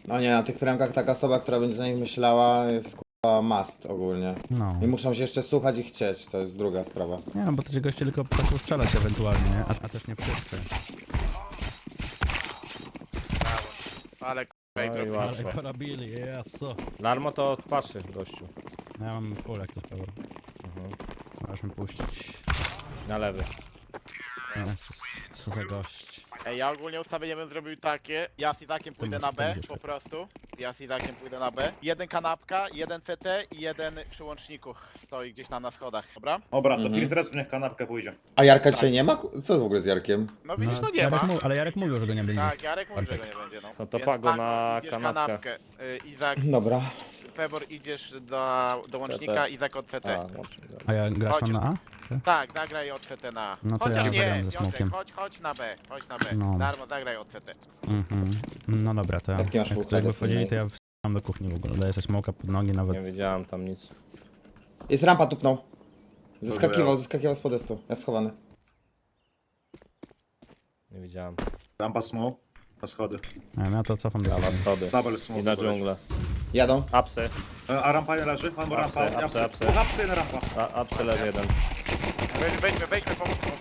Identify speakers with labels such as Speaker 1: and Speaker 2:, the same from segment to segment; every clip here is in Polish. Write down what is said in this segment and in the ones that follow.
Speaker 1: No nie, na tych premkach taka osoba, która będzie za nich myślała, jest kurwa must ogólnie.
Speaker 2: No.
Speaker 1: I muszą się jeszcze słuchać i chcieć, to jest druga sprawa.
Speaker 2: Nie no, bo to ci goście tylko potrafią strzelać ewentualnie, nie? A też nie wszyscy.
Speaker 3: Ale
Speaker 4: No i
Speaker 3: k***a,
Speaker 4: łatwo.
Speaker 2: Ale porobili, jesu.
Speaker 4: Larmo to patrzy, gościu.
Speaker 2: Ja mam full jak coś power. Możesz mi puścić.
Speaker 4: Na lewy.
Speaker 2: Jezus, co za gość.
Speaker 3: Ej, ja ogólnie ustawienie bym zrobił takie. Ja z Izakiem pójdę na B,
Speaker 2: będziesz
Speaker 3: po
Speaker 2: tak.
Speaker 3: prostu. Ja z Izakiem pójdę na B. Jeden kanapka, jeden CT i jeden przy łączniku stoi gdzieś tam na schodach, dobra?
Speaker 5: Dobra, to Fizz Res niech kanapkę pójdzie.
Speaker 1: A Jarka dzisiaj nie ma? Co w ogóle z Jarkiem?
Speaker 3: No widzisz, no nie
Speaker 2: Jarek
Speaker 3: ma.
Speaker 2: Ale Jarek mówił, że go nie będzie.
Speaker 3: Tak, Jarek mówi, że go
Speaker 2: Bartek.
Speaker 3: nie będzie, no.
Speaker 4: No to
Speaker 3: Więc
Speaker 4: Pago na
Speaker 3: idziesz
Speaker 4: kanapkę.
Speaker 3: Izak,
Speaker 1: Dobra.
Speaker 3: Pebor idziesz do łącznika, Izak od CT.
Speaker 4: A, łącznie, dobra.
Speaker 2: A ja grasz
Speaker 3: Chodź.
Speaker 2: na A?
Speaker 3: Tak, zagraj od CT na A.
Speaker 2: No to
Speaker 3: Chociaż
Speaker 2: ja
Speaker 3: nie,
Speaker 2: zagram ze
Speaker 3: Piotrek,
Speaker 2: smokiem.
Speaker 3: chodź na B, chodź na B.
Speaker 2: No.
Speaker 3: Darmo, zagraj od CT.
Speaker 2: Mhm. No dobra, to ja.
Speaker 1: Jak nie masz
Speaker 2: Jak
Speaker 1: full
Speaker 2: jakby
Speaker 1: cardów,
Speaker 2: wchodzili,
Speaker 1: nie?
Speaker 2: to ja wstałem do kuchni w ogóle. Daję sobie smoka pod nogi
Speaker 4: Nie
Speaker 2: nawet.
Speaker 4: wiedziałem tam nic.
Speaker 1: Jest rampa, tupnął.
Speaker 5: Dobra.
Speaker 1: Zeskakiwał z podestu. Ja schowany.
Speaker 4: Nie widziałem.
Speaker 5: Rampa smoke. Na schody.
Speaker 2: Nie wiem, ja to cofam do
Speaker 4: A na
Speaker 2: kuchni.
Speaker 4: schody.
Speaker 5: Double
Speaker 4: I
Speaker 5: smoke.
Speaker 4: na
Speaker 5: poleci.
Speaker 4: dżunglę.
Speaker 1: Jadą.
Speaker 4: Apsy.
Speaker 5: A rampa nie leży? Albo rampa.
Speaker 4: Apsy, apsy.
Speaker 5: Apsy, jedna rampa.
Speaker 4: Apsy leży jeden.
Speaker 3: Wejdźmy, pomóż mu.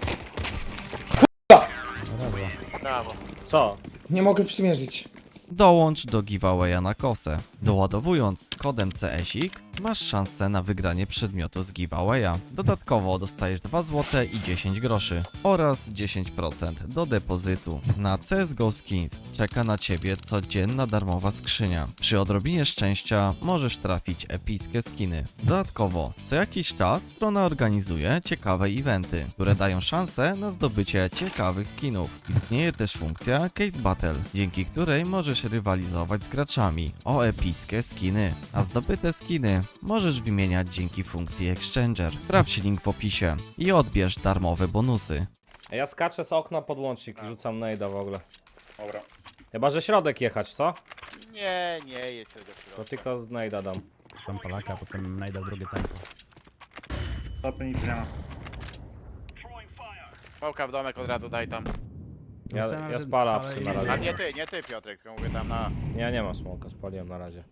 Speaker 2: Brawo.
Speaker 3: Brawo.
Speaker 4: Co?
Speaker 1: Nie mogę przymierzyć.
Speaker 6: Dołącz do giveawaya na kosę. Doładowując z kodem CSIK masz szansę na wygranie przedmiotu z giveawaya. Dodatkowo dostajesz 2 zł i 10 groszy oraz 10% do depozytu. Na CSGO Skins czeka na Ciebie codzienna darmowa skrzynia. Przy odrobinie szczęścia możesz trafić epickie skiny. Dodatkowo co jakiś czas strona organizuje ciekawe eventy, które dają szansę na zdobycie ciekawych skinów. Istnieje też funkcja Case Battle, dzięki której możesz rywalizować z graczami o epickie skiny, a zdobyte skiny możesz wymieniać dzięki funkcji Exchanger. Sprawdź link w opisie i odbierz darmowe bonusy.
Speaker 4: Ja skaczę z okna pod łącznik i rzucam nejda w ogóle.
Speaker 5: Dobra.
Speaker 4: Chyba, że środek jechać, co?
Speaker 3: Nie jedź tego
Speaker 4: To
Speaker 3: środka.
Speaker 4: tylko nejda dam.
Speaker 2: Tam Polaka, potem najdę drugie tempo.
Speaker 5: Topy nic nie ma.
Speaker 3: Smoka w domek od razu daj tam.
Speaker 4: Ja spalę apsy na
Speaker 3: A
Speaker 4: razie.
Speaker 3: nie ty Piotrek, tylko mówię tam na...
Speaker 4: Nie, nie ma smoka, spaliłem na razie.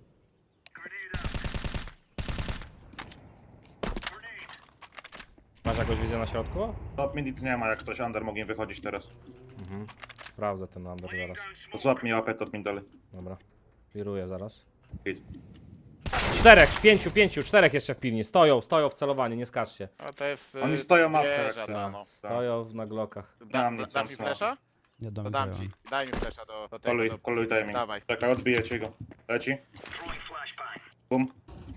Speaker 4: Masz jakąś wizję na środku?
Speaker 5: Top mi nic nie ma, jak coś under mogę wychodzić teraz.
Speaker 4: Sprawdzę ten number zaraz.
Speaker 5: To złap mi łapę top mi dalej.
Speaker 4: Dobra. Clearuję zaraz.
Speaker 5: Idź.
Speaker 4: 4, 5, 4 jeszcze w pilni. Stoją w celowaniu, nie skaczcie.
Speaker 3: No to jest...
Speaker 5: Oni stoją mapkę, jak
Speaker 3: wieża
Speaker 5: chcą.
Speaker 3: ta, no.
Speaker 4: Stoją na glokach.
Speaker 5: Dam nic,
Speaker 3: Dam mi
Speaker 5: sam
Speaker 3: flesza?
Speaker 2: Nie
Speaker 3: To
Speaker 2: dam
Speaker 3: dam ci. Daj mi flesza do tego.
Speaker 5: Koluj, koluj timing.
Speaker 3: Dawaj.
Speaker 5: Czekaj, odbiję ci go. Leci. Bum.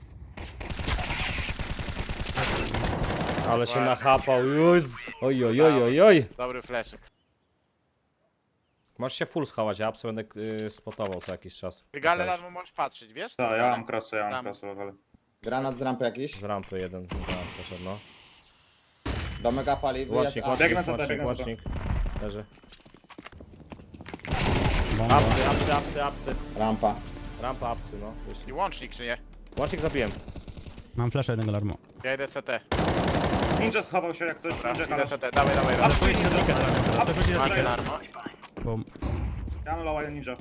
Speaker 4: Ale się nachapał, już. Oj, oj, oj, oj, oj.
Speaker 3: Dobry fleszyk.
Speaker 4: Możesz się full schować, ja apsy będę spotował co jakiś czas.
Speaker 3: Ty Gale
Speaker 4: Też.
Speaker 3: Larmo możesz patrzeć, wiesz?
Speaker 5: Tak, ja mam krasę,
Speaker 3: Tam.
Speaker 5: ale...
Speaker 1: Granat z rampy jakiś.
Speaker 4: Z rampy jeden, poszedł, no.
Speaker 1: Domek A pali, wyjazd
Speaker 4: Łącznik,
Speaker 1: A.
Speaker 5: Biegnę
Speaker 4: łącznik,
Speaker 5: za to,
Speaker 4: łącznik,
Speaker 5: biegnę za to.
Speaker 4: łącznik. Leży.
Speaker 2: Bomba.
Speaker 4: Apsy.
Speaker 1: Rampa.
Speaker 4: Rampa apsy, no.
Speaker 3: I
Speaker 4: Wyszli.
Speaker 3: łącznik czy nie?
Speaker 4: Łącznik zabiłem.
Speaker 2: Mam flasha jednego larmu.
Speaker 3: Ja idę CT.
Speaker 5: Ninja schował się jak coś.
Speaker 3: Dobra,
Speaker 5: Ninja
Speaker 3: idę
Speaker 5: halasz.
Speaker 3: CT. Dawaj. Macie Larmo.
Speaker 2: Bo
Speaker 5: Ja mam lowa ninja.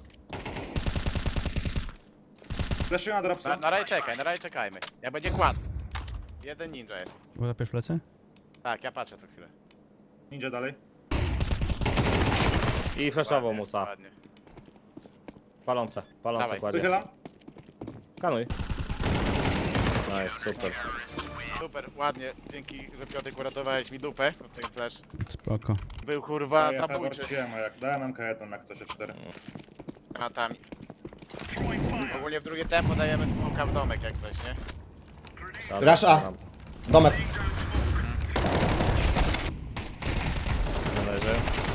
Speaker 5: Fleszuję na dropsa.
Speaker 3: Na razie czekajmy. Ja będzie kładł. Jeden ninja jest.
Speaker 2: zapiesz plecy?
Speaker 3: Tak, ja patrzę co chwilę.
Speaker 5: Ninja dalej.
Speaker 4: I flashował
Speaker 3: Ładnie,
Speaker 4: musa.
Speaker 3: ładnie.
Speaker 4: Palące
Speaker 3: Dawaj.
Speaker 4: kładzie.
Speaker 5: Wychylam.
Speaker 4: Kanuj. No jest super.
Speaker 3: Super, ładnie. Dzięki, że Piotrek uratowałeś mi dupę. Ten flash
Speaker 2: Spoko.
Speaker 3: był kurwa
Speaker 5: Ja
Speaker 3: zabójczy.
Speaker 5: wróciłem, a jak dałem MK1 jak coś 4.
Speaker 3: Granatami. Ogólnie w drugie tempo dajemy smoka w domek jak coś, nie?
Speaker 1: Rush A. Domek.
Speaker 4: Leży.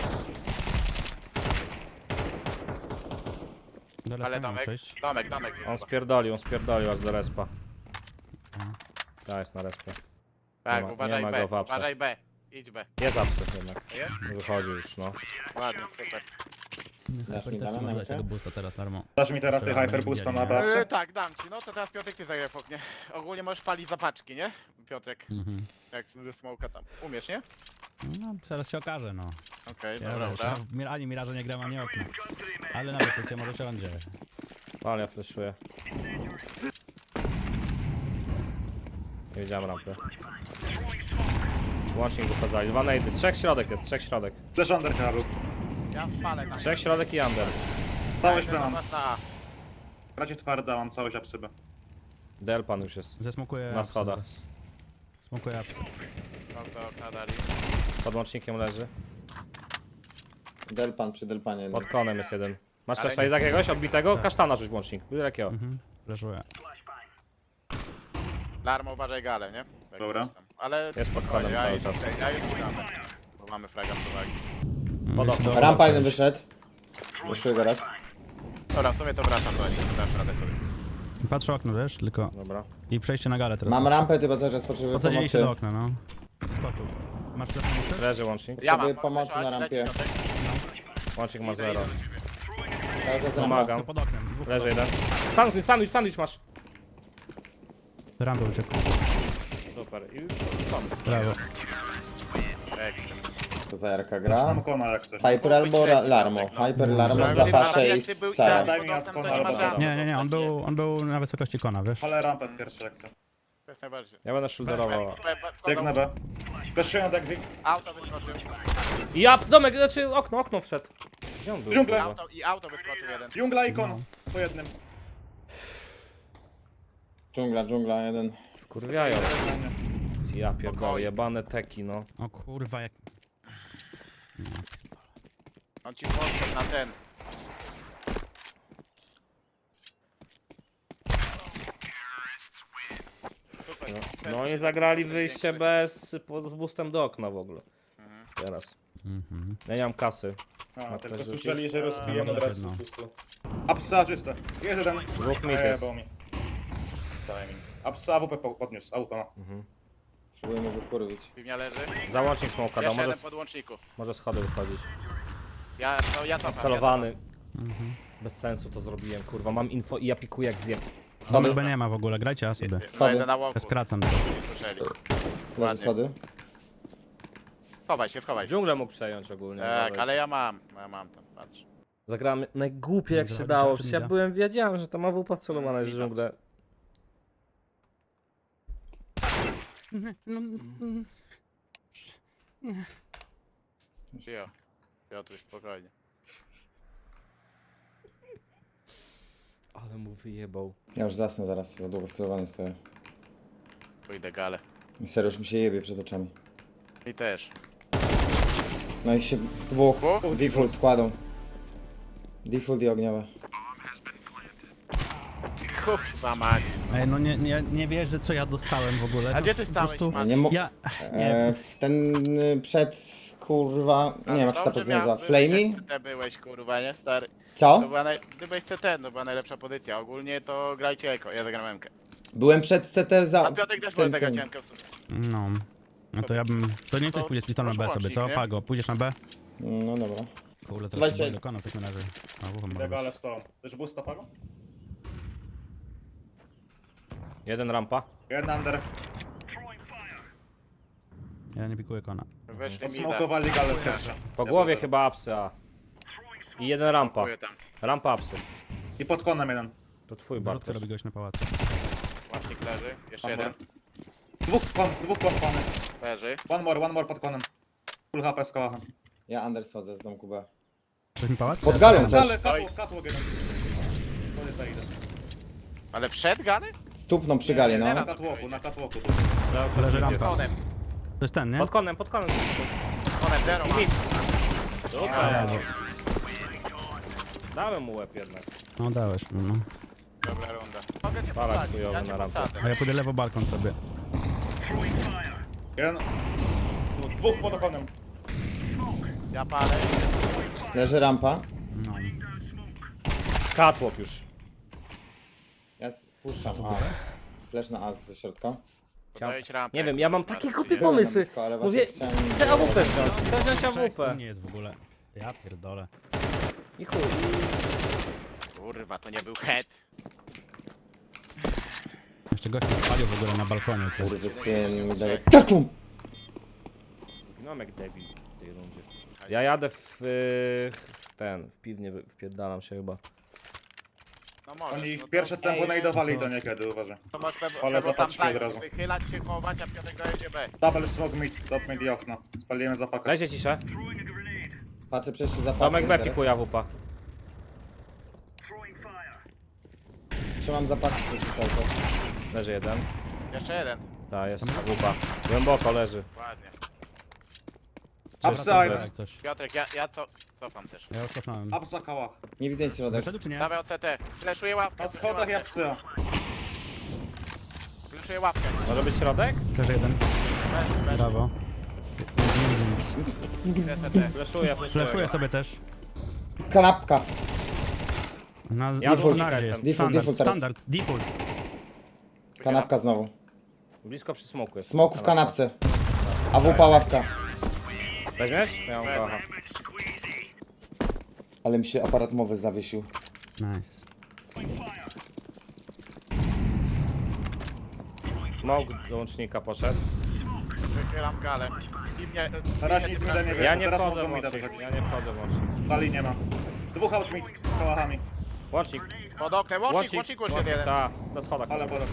Speaker 2: Dole
Speaker 3: Ale
Speaker 2: tam mam
Speaker 3: domek,
Speaker 2: przejść.
Speaker 3: domek.
Speaker 4: On spierdolił aż do respa. Ta jest na respie.
Speaker 3: Tak,
Speaker 4: nie ma
Speaker 3: uważaj
Speaker 4: go
Speaker 3: B,
Speaker 4: w apsach.
Speaker 3: uważaj B. Idź B.
Speaker 4: Jest apsy jednak.
Speaker 3: Jest?
Speaker 4: Wychodzi już, no.
Speaker 3: Ładnie, super.
Speaker 1: Dasz mi
Speaker 2: Też
Speaker 1: dane
Speaker 2: ci
Speaker 1: na
Speaker 2: może dać
Speaker 1: rękę?
Speaker 2: tego boosta teraz larmo.
Speaker 5: Dasz mi teraz ty
Speaker 2: Jeszcze
Speaker 5: hyperboosta
Speaker 2: będziemy
Speaker 5: na
Speaker 2: widzieli,
Speaker 5: babce?
Speaker 3: Tak, dam ci. No to teraz Piotrek ty zagraj w oknie. Ogólnie możesz palić zapaczki, nie? Piotrek,
Speaker 2: Mhm.
Speaker 3: jak ze smoka tam. Umiesz, nie?
Speaker 2: No, zaraz się okaże, no.
Speaker 3: Okej,
Speaker 2: Ja
Speaker 3: dobra.
Speaker 2: wiesz, ani Miraża nie gram, ani okna. Ale nawet cię może siądzie.
Speaker 4: Ale ja flashuję. Nie widziałem rampy. Łącznik wysadzali. 2 nade. 3 środek jest, 3 środek.
Speaker 5: Też under chyba był.
Speaker 3: Ja wpalę tam.
Speaker 4: 3 środek i under.
Speaker 5: Całość
Speaker 3: Jeden
Speaker 5: mam.
Speaker 3: do was na A.
Speaker 5: Bracie twarda, mam całość apsybę.
Speaker 4: Delpan już jest.
Speaker 2: Zesmokuję
Speaker 4: Na
Speaker 2: apsy
Speaker 4: schodach.
Speaker 2: teraz. Smokuję apsy.
Speaker 3: No to okna dali.
Speaker 4: Pod łącznikiem leży.
Speaker 1: Delpan przy Delpanie.
Speaker 4: Pod konem jest jeden. Masz
Speaker 3: Ale
Speaker 4: flasha
Speaker 3: nie-
Speaker 4: z jakiegoś odbitego? Kasztana rzuć w łącznik. Byle jakiego.
Speaker 2: Mhm. Flashuję.
Speaker 3: Larmo uważaj galę, nie? Jak
Speaker 5: Dobra.
Speaker 3: coś tam. Ale
Speaker 4: Jest pod
Speaker 3: spokojnie,
Speaker 4: konem
Speaker 3: ja
Speaker 4: cały
Speaker 3: już
Speaker 4: czas.
Speaker 3: ja już dam. Bo mamy fraga z uwagi.
Speaker 4: Pod okno.
Speaker 1: Rampa jeden wyszedł. Ruszył go raz.
Speaker 3: Dobra, w sumie to wracam do nich. Dasz radę sobie.
Speaker 2: Patrzę okno, wiesz, tylko...
Speaker 4: Dobra.
Speaker 2: I przejście na galę teraz.
Speaker 1: Mam rampę, ty cały czas potrzebuję
Speaker 2: Podsadzili się do
Speaker 1: pomocy.
Speaker 2: okna, no. Skoczył. Masz flash?
Speaker 4: Leży łącznik.
Speaker 3: Ja
Speaker 1: Potrzebuję
Speaker 3: mam
Speaker 1: pomocy
Speaker 3: możesz
Speaker 1: na
Speaker 3: lecieć,
Speaker 1: rampie.
Speaker 3: Środek.
Speaker 4: Łącznik ma
Speaker 3: Idę
Speaker 4: 0.
Speaker 3: do ciebie.
Speaker 1: Cały czas rampa.
Speaker 4: Pomagam.
Speaker 2: Pod oknem. Dwóch
Speaker 4: Leży
Speaker 2: pod
Speaker 4: jeden. Sandwich masz.
Speaker 2: oknem. Rampę uciekł.
Speaker 4: Super. I już tam.
Speaker 2: Brawo.
Speaker 3: Ekstra.
Speaker 1: To za Jarka
Speaker 5: Mam
Speaker 1: gra.
Speaker 5: kona jak coś.
Speaker 1: Hyper albo Larmo. Hyper, Larmo,
Speaker 3: Ale
Speaker 1: Zafasze
Speaker 3: jak
Speaker 1: i
Speaker 3: ty był
Speaker 1: Sara.
Speaker 5: Daj mi
Speaker 3: pod
Speaker 5: od
Speaker 3: oknem, to
Speaker 5: kona,
Speaker 3: nie ma
Speaker 5: dobra.
Speaker 3: żadnych.
Speaker 2: Nie, on był na wysokości kona, wiesz.
Speaker 5: Ale rampę pierwszy jak chcę.
Speaker 3: To jest najbardziej.
Speaker 4: Ja będę shoulderował.
Speaker 5: Biegnę B. Fleszuję od exit.
Speaker 3: Auto wyskoczył.
Speaker 4: I ja, domek, znaczy okno wszedł. Gdzie on był?
Speaker 5: Dżunglę.
Speaker 3: Auto wyskoczył jeden.
Speaker 5: Dżungla i kon. Po jednym.
Speaker 1: Dżungla, jeden.
Speaker 4: Wkurwiają. Ja pierdolę, jebane teki, no.
Speaker 2: O kurwa, jak...
Speaker 3: On ci podszedł na ten. Super.
Speaker 4: No i zagrali wyjście bez, z boostem do okna w ogóle. Teraz.
Speaker 2: Mhm.
Speaker 4: Ja nie mam kasy.
Speaker 5: A, tylko
Speaker 4: ktoś
Speaker 5: słyszeli,
Speaker 4: rzucić?
Speaker 5: że rozbijemy od
Speaker 2: Dobra,
Speaker 5: razu.
Speaker 2: no.
Speaker 5: Apsa czyste. Jest jeden.
Speaker 4: Dwóch mit jest.
Speaker 5: Bo mi. Timing. Apsa AWP podniósł. AWP ma.
Speaker 1: Próbuję mu wykurwić.
Speaker 3: Piwnia leży.
Speaker 4: Załącznik smoka,
Speaker 3: Jeszcze
Speaker 4: może,
Speaker 3: jeden po podłączniku.
Speaker 4: może schody wychodzić.
Speaker 3: Ja cofam.
Speaker 4: Celowany. Bez sensu to zrobiłem, kurwa. Mam info i ja pikuję jak zjem.
Speaker 1: Schody,
Speaker 2: B nie ma w ogóle, grajcie A sobie.
Speaker 1: Schody.
Speaker 3: Schody. Na łoku.
Speaker 2: Ja skracam.
Speaker 3: Nie słyszeli.
Speaker 1: leży schody.
Speaker 3: Schowaj się, schowaj się.
Speaker 4: Dżunglę mógł przejąć ogólnie.
Speaker 3: Tak,
Speaker 4: uważajcie.
Speaker 3: ale ja mam tam, patrz.
Speaker 4: Zagrałem najgłupiej jak
Speaker 2: Dobra,
Speaker 4: się dało.
Speaker 2: wystarczy
Speaker 4: Przecież
Speaker 2: mi
Speaker 4: ja
Speaker 2: da.
Speaker 4: byłem, wiedziałem, że tam AWP celowana jest w dżunglę.
Speaker 3: Cio. Piotruś, spokojnie.
Speaker 4: Ale mu wyjebał.
Speaker 1: Ja już zasnę zaraz, za długo sterowany stoję.
Speaker 3: Pójdę galę.
Speaker 1: I serio, już mi się jebie przed oczami.
Speaker 3: I też.
Speaker 1: No i się dwóch.
Speaker 3: Dwóch?
Speaker 1: Default kładą. Default i ogniowe.
Speaker 3: Kurwa mać.
Speaker 2: Ej, no nie wierzę, co ja dostałem w ogóle.
Speaker 3: A
Speaker 2: No,
Speaker 3: gdzie ty
Speaker 2: po
Speaker 3: stałeś,
Speaker 2: prostu-
Speaker 3: Matt?
Speaker 1: Nie mo-
Speaker 2: Ja... Nie,
Speaker 1: w ten przed kurwa. Nie wiem jak się ta pozycja nazywa. Flamey?
Speaker 3: Ty byłeś kurwa, nie stary. To
Speaker 1: Co?
Speaker 3: była ty byłeś CT, to była najlepsza pozycja. Ogólnie to grajcie eko, ja zagram MK.
Speaker 1: Byłem przed CT za.
Speaker 3: A Piotrek też może tego cienko w sumie.
Speaker 2: no. No to ja bym... To nie ktoś
Speaker 3: To
Speaker 2: pójdzie splitom na B
Speaker 3: proszę
Speaker 2: sobie, co?
Speaker 3: łącznik, nie?
Speaker 2: Pago, pójdziesz na B?
Speaker 1: No dobra.
Speaker 2: Kurde, teraz
Speaker 1: Weźcie-
Speaker 2: się do kona w takim razie. A, ufam
Speaker 5: Tego
Speaker 2: bardzo.
Speaker 5: ale 100. Też był stopago?
Speaker 4: Jeden rampa.
Speaker 5: Jeden under.
Speaker 2: Ja nie pikuję kona.
Speaker 3: Weszli mi da.
Speaker 5: Odsmokowali galę pierwsze.
Speaker 4: Po głowie chyba apsy, a. I jeden rampa.
Speaker 3: Dziękuję tam.
Speaker 4: Rampa apsy.
Speaker 5: I pod konem jeden.
Speaker 4: To twój
Speaker 2: Wrzutkę
Speaker 4: Bartosz.
Speaker 2: robi gość na pałacu.
Speaker 3: Łącznik leży. Jeszcze
Speaker 5: Dobra.
Speaker 3: jeden.
Speaker 5: Dwóch kon kony.
Speaker 3: Leży.
Speaker 5: One more pod konem. Full HP z kołachem.
Speaker 1: Ja Anders schodzę z domku B.
Speaker 2: Chcesz mi pałac?
Speaker 1: Pod galą też.
Speaker 5: Ale catwalk jeden. To nie idę.
Speaker 3: Ale przed gany?
Speaker 1: Stupną przy gali, no.
Speaker 5: Na catwalku, na catwalku.
Speaker 4: Cały czas
Speaker 2: Leży
Speaker 4: mit
Speaker 2: rampa.
Speaker 4: jest.
Speaker 3: Konem.
Speaker 2: To jest ten, nie?
Speaker 4: Pod konem, pod konem.
Speaker 3: Konem zero ma.
Speaker 4: Super. Dałem mu łeb jednak.
Speaker 2: No dałeś mi, no.
Speaker 3: Dobra runda. Mogę cię
Speaker 4: Balak
Speaker 3: posadzić,
Speaker 4: chujowy
Speaker 3: ja cię
Speaker 4: na rampę.
Speaker 3: posadzę.
Speaker 2: A ja pójdę lewo balkon sobie.
Speaker 5: Jeden. Dwóch pod konem.
Speaker 3: Ja palę.
Speaker 1: Leży rampa.
Speaker 2: No.
Speaker 4: Catwalk już.
Speaker 1: Ja puszczam A. Flash na A ze środka.
Speaker 3: Dojedź rampę.
Speaker 4: Nie wiem, ja mam takie głupie
Speaker 1: Byłem na
Speaker 4: pomysły.
Speaker 1: blisko, ale właśnie
Speaker 4: Mówię,
Speaker 1: chciałem-
Speaker 4: chcę AWP wziąć. Chcę wziąć
Speaker 2: U
Speaker 4: AWP.
Speaker 2: mnie jest w ogóle. Ja pierdolę.
Speaker 4: I chuj.
Speaker 3: Kurwa, to nie był head.
Speaker 2: Jeszcze gość mnie spalił w ogóle na balkonie. to jest-
Speaker 1: Kurde, syn mi daje taką!
Speaker 4: Zginąłem jak debil w tej rundzie. Ja jadę w ten, w piwnie wpierdalam się chyba.
Speaker 3: No może.
Speaker 5: Oni
Speaker 3: no to-
Speaker 5: pierwsze tempo
Speaker 1: Ej,
Speaker 5: najdowali do niekiedy, uważaj.
Speaker 3: To masz
Speaker 5: Ale
Speaker 3: pewno tam
Speaker 5: zapatrzcie od
Speaker 3: zająć,
Speaker 5: razu.
Speaker 3: wychylać się, chować, a Piotrek dojedzie B.
Speaker 5: Double smoke mid, top mid i okno. Spaliłem zapakę.
Speaker 4: Lezie ciszę.
Speaker 1: Patrzę przejście za
Speaker 4: Domek B
Speaker 1: teraz.
Speaker 4: pikuje AWP.
Speaker 1: Trzymam zapakę przejście cały czas.
Speaker 4: Leży jeden.
Speaker 3: Jeszcze jeden.
Speaker 4: Ta, jest AWP. Głęboko leży.
Speaker 3: Ładnie.
Speaker 5: Upside.
Speaker 2: Jak coś.
Speaker 3: Piotrek, ja cofam też.
Speaker 2: Ja już cofnąłem.
Speaker 5: Upsa kałach.
Speaker 1: Nie widzę środek.
Speaker 2: Wyszedł czy nie?
Speaker 3: Dawaj od CT. Fleszuję łapkę.
Speaker 5: Na schodach ja psya.
Speaker 3: Fleszuję łapkę.
Speaker 4: Może być środek?
Speaker 2: Też jeden.
Speaker 3: Bez,
Speaker 2: Brawo. Nie widzę nic.
Speaker 3: CT.
Speaker 4: Fleszuję.
Speaker 2: Flashuję sobie też.
Speaker 1: Kanapka.
Speaker 2: Na
Speaker 4: Ja
Speaker 1: default
Speaker 2: standardzie jest.
Speaker 1: jestem. Default teraz.
Speaker 2: Standard. Default.
Speaker 1: Kanapka znowu.
Speaker 4: Blisko przy smoku jest.
Speaker 1: Smoku w kanapce. AWP ławka.
Speaker 4: Weźmiesz? Ja mam
Speaker 3: Wezmę.
Speaker 4: kocha.
Speaker 1: Ale mi się aparat mowy zawiesił.
Speaker 2: Nice.
Speaker 4: Smoke do łącznika poszedł.
Speaker 3: Wychylam galę. I mnie...
Speaker 5: Na razie nic mi da nie
Speaker 3: wychylam.
Speaker 5: wiesz.
Speaker 4: Ja nie
Speaker 5: teraz
Speaker 4: wchodzę w
Speaker 5: mogą mi dać
Speaker 4: łącznik.
Speaker 5: jakiś.
Speaker 4: Ja nie wchodzę w łącznik.
Speaker 5: Pali nie ma. Dwóch out mid z kałachami.
Speaker 4: Łącznik.
Speaker 3: Pod oknem, łącznik już jest jeden.
Speaker 4: Ta, na schodach.
Speaker 5: Ale porok.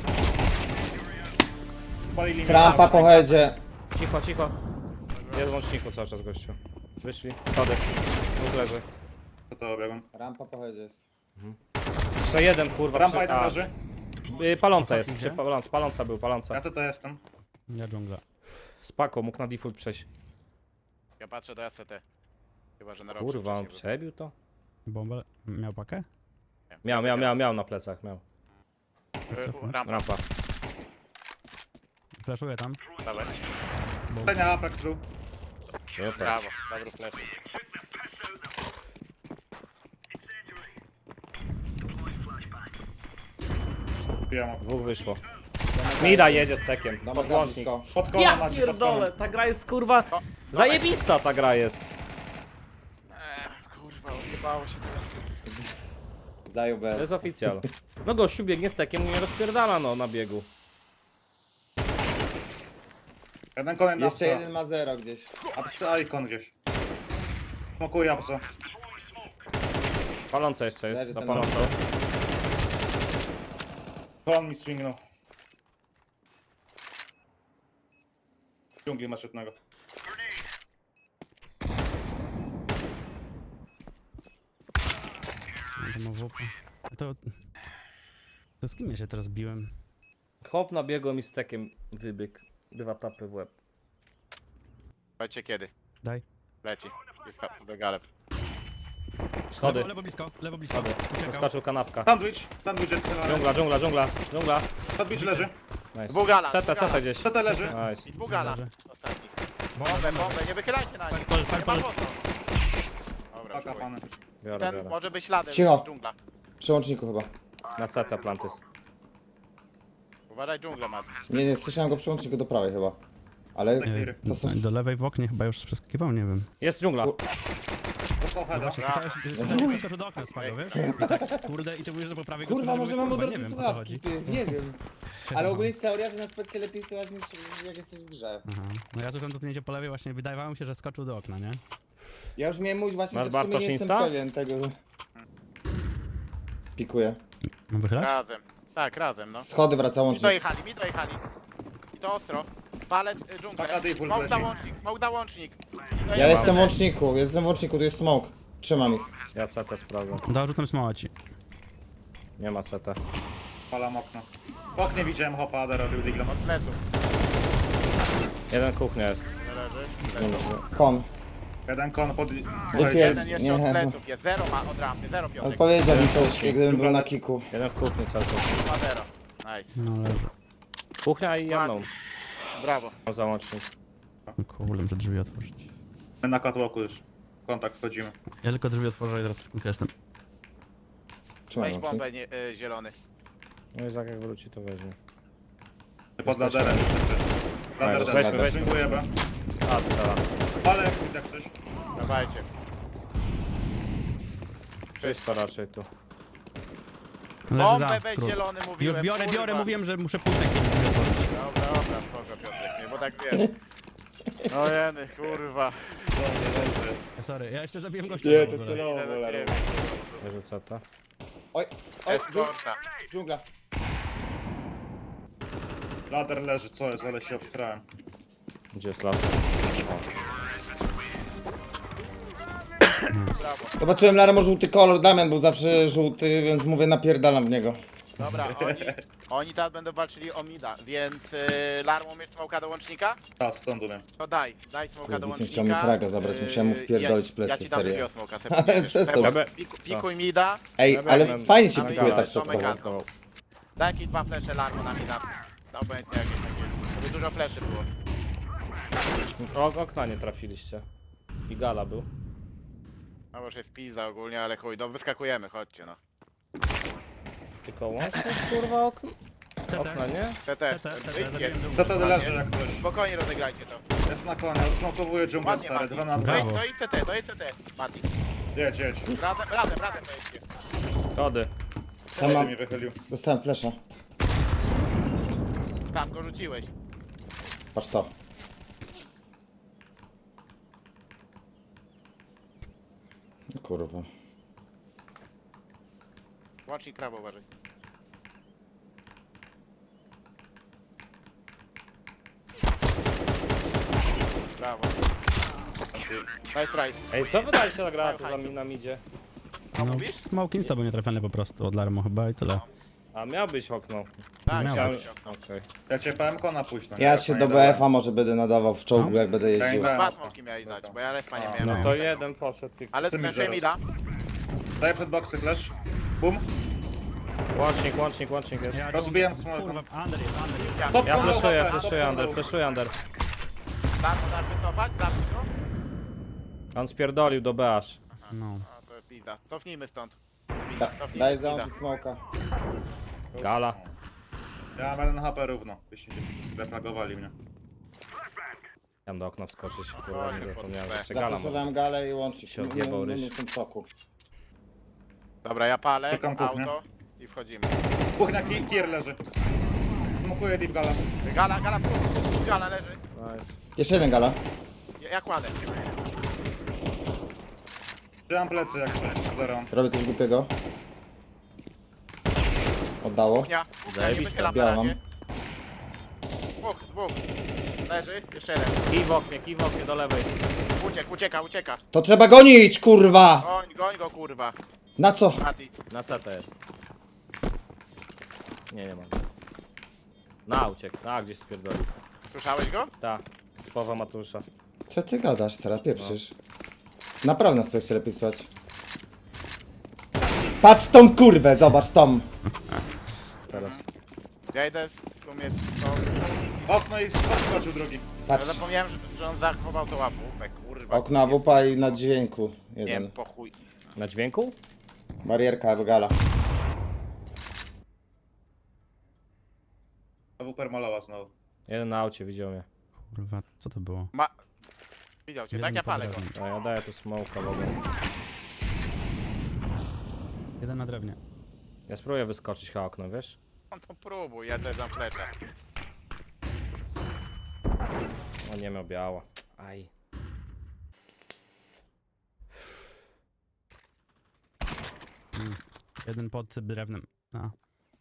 Speaker 5: Palili mnie.
Speaker 1: Rampa po headzie.
Speaker 4: Cicho, cicho. Jest w łączniku cały czas gościu. Wyszli. Schody. Dwóch leży.
Speaker 5: Co to obiegłem?
Speaker 1: Rampa po headzie jest.
Speaker 4: Jeszcze jeden kurwa.
Speaker 5: Rampa jeden leży.
Speaker 4: Paląca jest.
Speaker 2: Gdzie?
Speaker 4: Paląca był, paląca.
Speaker 5: Ja co to jestem?
Speaker 2: Ja dżungla.
Speaker 4: Spako, mógł na default przejść.
Speaker 3: Ja patrzę do SCT. Chyba, że na rok.
Speaker 4: Kurwa, on przebił to?
Speaker 2: Bombę. Miał pakę?
Speaker 4: Miał na plecach, miał.
Speaker 3: Rampa,
Speaker 4: Rampa.
Speaker 2: Flashuję tam.
Speaker 3: dawaj.
Speaker 5: Tenia Apex był.
Speaker 4: Super.
Speaker 3: Brawo, dobry flash.
Speaker 5: Bijam.
Speaker 4: Dwóch wyszło. Mida jedzie z tekiem.
Speaker 1: Domek
Speaker 4: Pod
Speaker 1: na
Speaker 4: łącznik.
Speaker 1: blisko.
Speaker 5: Pod konem
Speaker 4: Ja
Speaker 5: macie, pod
Speaker 4: pierdolę,
Speaker 5: konem.
Speaker 4: ta gra jest kurwa... Zajebista ta gra jest.
Speaker 3: Kurwa, odjebało się teraz.
Speaker 1: Zajął
Speaker 4: To
Speaker 1: bez.
Speaker 4: jest oficjal. No gościu biegnie z tekiem, nie rozpierdala no na biegu.
Speaker 5: Jeden konen na
Speaker 1: Jeszcze
Speaker 5: psa.
Speaker 1: jeden ma 0 gdzieś.
Speaker 5: Apsa ikon gdzieś. Smokuję apsa.
Speaker 4: Paląca jeszcze
Speaker 1: Leży
Speaker 4: jest, na
Speaker 1: ten
Speaker 4: palącą.
Speaker 5: Kon mi swingnął. W dżungli masz jednego.
Speaker 2: To ma WP. To z kim ja się teraz biłem?
Speaker 4: Chłop na biegu mi z tekiem wybiegł. 2 tapy w łeb.
Speaker 3: Powiedzcie kiedy.
Speaker 2: Daj.
Speaker 3: Leci. Do galeb.
Speaker 4: Schody.
Speaker 2: Lewo blisko, lewo blisko.
Speaker 4: Schody.
Speaker 2: Uciekał.
Speaker 4: Zaskoczył kanapka.
Speaker 5: Sandwich jest strzelany.
Speaker 4: Dżungla.
Speaker 5: Sandwich leży.
Speaker 4: Nice.
Speaker 3: Dwóch gala.
Speaker 4: CT gdzieś.
Speaker 5: CT leży.
Speaker 4: Nice.
Speaker 3: Dwóch gala.
Speaker 2: Leży.
Speaker 3: Ostatni. Bombę, nie wychylajcie na nich. Nie ma po co. Dobra,
Speaker 5: Paka
Speaker 3: chuj.
Speaker 5: pany.
Speaker 4: Biorę,
Speaker 3: Ten
Speaker 4: biorę.
Speaker 3: może być śladem.
Speaker 1: Cicho.
Speaker 3: Dżungla.
Speaker 1: Przy łączniku chyba.
Speaker 4: Na CT plantys.
Speaker 3: Uważaj dżunglę, Mat.
Speaker 1: Nie, słyszałem go przy łączniku do prawej chyba. Ale
Speaker 5: Clear.
Speaker 1: to są...
Speaker 2: Do lewej w oknie chyba już przeskakiwał, nie wiem.
Speaker 4: Jest dżungla.
Speaker 5: Dostał heada.
Speaker 2: Właśnie, skoczył do okna spadł, wiesz? I tak, kurde, i ty mówisz, że po prawej go
Speaker 1: Kurwa,
Speaker 2: spadł,
Speaker 1: może
Speaker 2: mówię,
Speaker 1: mam
Speaker 2: kurwa,
Speaker 1: odwrotne
Speaker 2: nie wiem, o co
Speaker 1: słuchawki,
Speaker 2: chodzi.
Speaker 1: ty, nie wiem. Ale ogólnie jest teoria, że na spekcie lepiej słychać niż jak jesteś w grze.
Speaker 2: Aha. No ja słucham dotknięcie po lewej, właśnie wydawało mi się, że skoczył do okna, nie?
Speaker 1: Ja już miałem mówić właśnie,
Speaker 4: Masz
Speaker 1: że w sumie
Speaker 4: Bartosz
Speaker 1: nie jestem
Speaker 4: Insta?
Speaker 1: pewien tego. Pikuję.
Speaker 2: Mam wychylać?
Speaker 3: Razem. Tak, razem, no.
Speaker 1: Schody wraca
Speaker 3: Mi
Speaker 1: łącznik.
Speaker 3: dojechali. I to ostro. Palec dżunglę.
Speaker 5: Taka default
Speaker 3: Smoke da
Speaker 5: leci.
Speaker 3: łącznik, smoke da łącznik.
Speaker 1: Ja jestem w łączniku, tu jest smoke. Trzymam ich.
Speaker 4: Ja CT sprawdzę.
Speaker 2: Dorzucam smoła ci.
Speaker 4: Nie ma CT.
Speaker 5: Palam okno. W oknie widziałem hopa, Ada robił diglem.
Speaker 3: Od pleców.
Speaker 4: Jeden kuchnia jest.
Speaker 3: Nie leży.
Speaker 1: Kon.
Speaker 5: Jeden kon pod...
Speaker 1: Wypier-
Speaker 3: Jeden jeszcze
Speaker 1: Nie.
Speaker 3: od pleców jest. Zero ma od rampy. Zero Piotrek.
Speaker 1: Odpowiedział mi coś, gdybym był na kiku.
Speaker 4: Jeden w kuchni cały czas.
Speaker 3: Ma zero. Nice.
Speaker 2: No leży.
Speaker 4: Kuchnia i jedną.
Speaker 3: Brawo.
Speaker 4: Załącznik.
Speaker 2: No kurde, muszę drzwi otworzyć.
Speaker 5: My na catwalku już. Kontakt wchodzimy.
Speaker 2: Ja tylko drzwi otworzę i teraz z jestem.
Speaker 1: Trzymaj
Speaker 3: Weź
Speaker 1: łącznik.
Speaker 3: bombę zielony.
Speaker 4: No i jak wróci to weźmie.
Speaker 5: Pod laderem. Lader
Speaker 4: Weźmy,
Speaker 5: lader.
Speaker 4: weźmy.
Speaker 5: Dziękujemy.
Speaker 4: A, strzela.
Speaker 5: Ale jak coś.
Speaker 3: Dawajcie.
Speaker 4: Czysto raczej tu.
Speaker 2: Leży
Speaker 3: Bombę
Speaker 2: za,
Speaker 3: weź
Speaker 2: skrót.
Speaker 3: zielony mówiłem.
Speaker 2: Już biorę,
Speaker 3: kurwa.
Speaker 2: mówiłem, że muszę pół tekki drzwi otworzyć.
Speaker 3: Dobra, spoko Piotrek, nie, bo tak wiesz. No jeny, kurwa.
Speaker 2: Sorry, ja jeszcze zabiłem gościa.
Speaker 1: Nie,
Speaker 2: w
Speaker 1: to
Speaker 2: ogóle.
Speaker 1: celowo,
Speaker 3: Idę do
Speaker 1: cholera.
Speaker 3: ciebie.
Speaker 4: Leży CT.
Speaker 1: Oj, oj,
Speaker 3: Eskorta.
Speaker 1: dżungla.
Speaker 5: Ladder leży, co jest, ale się obsrałem.
Speaker 4: Gdzie jest las?
Speaker 3: Brawo.
Speaker 1: Zobaczyłem Larmo żółty kolor, Damian był zawsze żółty, więc mówię napierdalam w niego.
Speaker 3: Dobra, oni teraz będą walczyli o mida, więc Larmo umiesz smoka do łącznika?
Speaker 5: A, stąd umiem.
Speaker 3: To daj smoka do
Speaker 1: Skurwysyn
Speaker 3: łącznika.
Speaker 1: chciał mi fraga zabrać, musiałem mu wpierdolić plecy,
Speaker 3: ja ci dam
Speaker 1: serio.
Speaker 3: drugiego smoka,
Speaker 1: Ale przestał.
Speaker 3: Pikuj mida,
Speaker 1: Ej,
Speaker 4: Dobra,
Speaker 1: ale
Speaker 4: mam-
Speaker 1: fajnie się
Speaker 3: mam
Speaker 1: pikuje
Speaker 3: gala,
Speaker 1: tak
Speaker 3: Tomek
Speaker 1: szybko.
Speaker 3: Anton. daj jakieś 2 flesze Larmo na mida. Obojętnie jakieś takie, żeby dużo fleszy było.
Speaker 4: Okna nie trafiliście. I gala był.
Speaker 3: No bo już jest pizza ogólnie, ale chuj, wyskakujemy, chodźcie no.
Speaker 4: Tylko łącznie kurwa okna, nie?
Speaker 3: TT, wyjdźcie.
Speaker 5: To to leży jak coś.
Speaker 3: Spokojnie rozegrajcie to.
Speaker 5: Jest na konie, odsmokowuję dżunglę
Speaker 3: Ładnie,
Speaker 5: stary,
Speaker 3: Mati.
Speaker 5: 2 na 2.
Speaker 2: Brawo.
Speaker 3: To idź CT, Mati.
Speaker 5: Jedź, jedź.
Speaker 3: Razem pojedźcie.
Speaker 4: Kody.
Speaker 1: Sam mam,
Speaker 5: mi wychylił.
Speaker 1: dostałem flesza.
Speaker 3: Tam go rzuciłeś.
Speaker 1: Patrz to. Kurwa.
Speaker 3: Łącznik prawo uważaj. Brawo. Nice try.
Speaker 4: Ej, co wydaliście na granatu za nam idzie?
Speaker 3: No
Speaker 2: No,
Speaker 3: mówisz?
Speaker 2: smoke insta był nietrafiony po prostu od Larmo chyba i tyle.
Speaker 4: A miał być okno.
Speaker 3: Tak,
Speaker 2: Miał
Speaker 3: chciałem
Speaker 2: być.
Speaker 3: się okno.
Speaker 4: Okej.
Speaker 5: Ja cię PMK na późno.
Speaker 1: Ja się do BF-a może będę nadawał w czołgu, jak będę jeździł.
Speaker 5: Tak.
Speaker 3: Dwa smoki miałeś dać, bo ja respa nie miałem.
Speaker 2: no.
Speaker 3: miałem
Speaker 4: To
Speaker 3: tego.
Speaker 4: jeden poszedł tylko.
Speaker 3: Ale
Speaker 5: Ty mi
Speaker 3: skręciłem
Speaker 5: zaraz.
Speaker 3: mida.
Speaker 5: Daję przed boksy flash. Bum.
Speaker 4: Łącznik jest.
Speaker 5: Rozbijam smoke.
Speaker 2: Kurwa, under jest.
Speaker 5: Top
Speaker 4: Ja
Speaker 5: combo,
Speaker 4: flashuję
Speaker 5: top
Speaker 4: under,
Speaker 5: combo.
Speaker 4: flashuję under.
Speaker 3: Darmo wycofać, zabić go.
Speaker 4: On spierdolił do BH.
Speaker 2: No.
Speaker 3: A to jest pizda. Cofnijmy stąd.
Speaker 1: Daj załączyć smoka.
Speaker 4: Gala.
Speaker 5: Ja mam 1 HP równo. Byście refragowali mnie.
Speaker 4: Chciałem do okna wskoczyć, kurwa, nie zapomniałem, że jeszcze gala ma.
Speaker 1: Zapraszam galę i łączyć.
Speaker 4: Się odjebał ryś.
Speaker 1: w tym soku.
Speaker 3: Dobra, ja palę,
Speaker 5: Czekam kuchnię.
Speaker 3: auto i wchodzimy.
Speaker 5: Kuchnia kier leży. Smokuję deep gala.
Speaker 3: Gala, gala leży.
Speaker 4: Nice.
Speaker 1: Jeszcze jeden gala.
Speaker 3: Ja kładę.
Speaker 5: Trzymam plecy jak coś. Zero.
Speaker 1: Robię coś głupiego. Oddało.
Speaker 3: Ja nie
Speaker 4: Zajebiście.
Speaker 3: wychylam na
Speaker 1: Białam.
Speaker 3: razie. Dwóch. Leży, jeszcze jeden.
Speaker 4: Kij w oknie do lewej.
Speaker 3: Ucieka.
Speaker 1: To trzeba gonić, kurwa!
Speaker 3: Goń go, kurwa.
Speaker 1: Na co?
Speaker 3: Mati.
Speaker 4: Na CT jest. Nie ma. Na uciekł, gdzieś spierdolił.
Speaker 3: Słyszałeś go?
Speaker 4: Ta, z Powa Matusza.
Speaker 1: Co ty gadasz teraz, pieprzysz? Naprawdę na spekcie lepiej słać. Patrz tą kurwę, zobacz tą.
Speaker 4: Teraz.
Speaker 3: Ja idę w sumie
Speaker 5: Okno i skoczył drugi.
Speaker 3: Ja
Speaker 1: Patrz.
Speaker 3: zapomniałem, że on zachował to łapówek, kurwa.
Speaker 1: Okna wupa i na dźwięku.
Speaker 3: Nie
Speaker 1: Jeden.
Speaker 3: wiem, po chuj.
Speaker 4: Na dźwięku?
Speaker 1: Barierka gala.
Speaker 5: AWP malała znowu.
Speaker 4: Jeden na aucie, widział mnie.
Speaker 2: Kurwa, co to było?
Speaker 3: Widział cię,
Speaker 2: Jeden
Speaker 3: tak ja palę go.
Speaker 2: pod drewnem.
Speaker 4: A ja daję tu smoka w ogóle.
Speaker 2: Jeden na drewnie.
Speaker 4: Ja spróbuję wyskoczyć chyba okno, wiesz?
Speaker 3: On to próbuj, ja też dam fleczę.
Speaker 4: On nie miał biała. Aj.
Speaker 2: Jeden pod drewnem. A.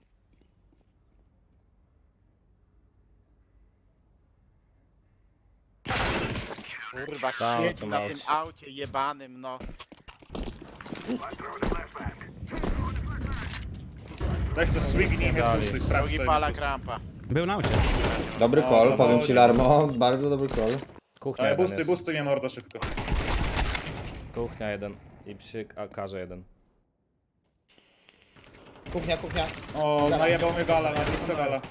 Speaker 3: Kurwa,
Speaker 4: Tam,
Speaker 3: siedzi
Speaker 4: to
Speaker 3: na
Speaker 4: mać.
Speaker 3: tym aucie jebanym, no.
Speaker 5: Weź to swignij, nie
Speaker 4: Dalej.
Speaker 5: spuszczaj, sprawdź
Speaker 3: Drugi
Speaker 5: to.
Speaker 3: pala krampa.
Speaker 2: Był na aucie.
Speaker 1: Dobry
Speaker 5: O,
Speaker 1: call,
Speaker 5: to
Speaker 1: powiem
Speaker 5: chodzi.
Speaker 1: ci Larmo. Bardzo dobry call.
Speaker 4: Kuchnia
Speaker 5: Ale
Speaker 4: jeden jest.
Speaker 5: busty mnie mordo szybko.
Speaker 4: Kuchnia jeden. I przy akarze jeden.
Speaker 1: Kuchnia.
Speaker 5: O, najebał mnie gala, na blisko gala.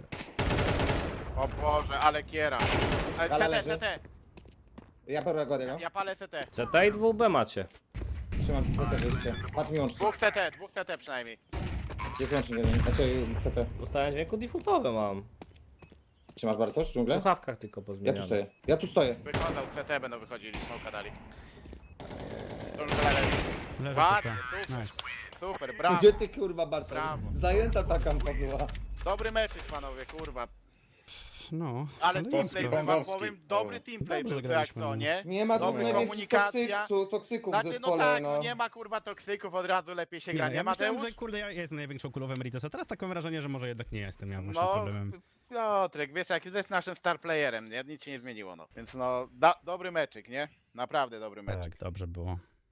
Speaker 3: O Boże, ale kiera.
Speaker 1: Gala leży.
Speaker 3: CT.
Speaker 1: Ja biorę go jednego.
Speaker 3: Ja palę CT.
Speaker 4: CT i 2B macie.
Speaker 1: Trzymam ci CT wyjście. Patrz mi łącznie.
Speaker 3: Dwóch CT przynajmniej.
Speaker 1: Jest łącznik jeden. Znaczy CT.
Speaker 4: Dostałem dźwięku defaultowy mam.
Speaker 1: Trzymasz Bartosz
Speaker 4: W
Speaker 1: dżunglę?
Speaker 4: słuchawkach tylko
Speaker 1: Ja tu
Speaker 4: pozmieniane.
Speaker 1: stoję. Ja tu stoję.
Speaker 3: Wyglądał CT, będą wychodzili, smoka dali. To już leży.
Speaker 2: Leży
Speaker 3: Ładnie,
Speaker 2: TP.
Speaker 3: super.
Speaker 2: Nice.
Speaker 3: Super, brawo.
Speaker 1: Gdzie ty kurwa Bartosz?
Speaker 3: Brawo.
Speaker 1: Zajęta ta kampa była.
Speaker 3: Dobry mecz, panowie, kurwa.
Speaker 2: No,
Speaker 3: Ale
Speaker 2: jest
Speaker 3: teamplay,
Speaker 2: to-
Speaker 3: wam
Speaker 5: Pongowski.
Speaker 3: powiem, dobry teamplay
Speaker 2: Dobrze
Speaker 3: był, to jak
Speaker 2: zagraliśmy,
Speaker 3: co,
Speaker 2: no.
Speaker 3: nie?
Speaker 1: Nie ma tu
Speaker 3: Dobra
Speaker 1: największych
Speaker 3: komunikacja.
Speaker 1: toksyków w
Speaker 3: Znaczy, no
Speaker 1: zespole,
Speaker 3: tak,
Speaker 1: no.
Speaker 3: nie ma kurwa toksyków, od razu lepiej się gra,
Speaker 2: no,
Speaker 3: nie,
Speaker 2: ja myślałem,
Speaker 3: Mateusz?
Speaker 2: że kurde, ja jestem największą kulą w Emeritus, a teraz tak mam wrażenie, że może jednak nie jestem ja właśnie
Speaker 3: No,
Speaker 2: problemem.
Speaker 3: Piotrek, wiesz, jak jest naszym star playerem, nie? Nic się nie zmieniło, no. Więc no, dobry meczyk, nie? Naprawdę dobry meczyk.
Speaker 2: Tak, dobrze było.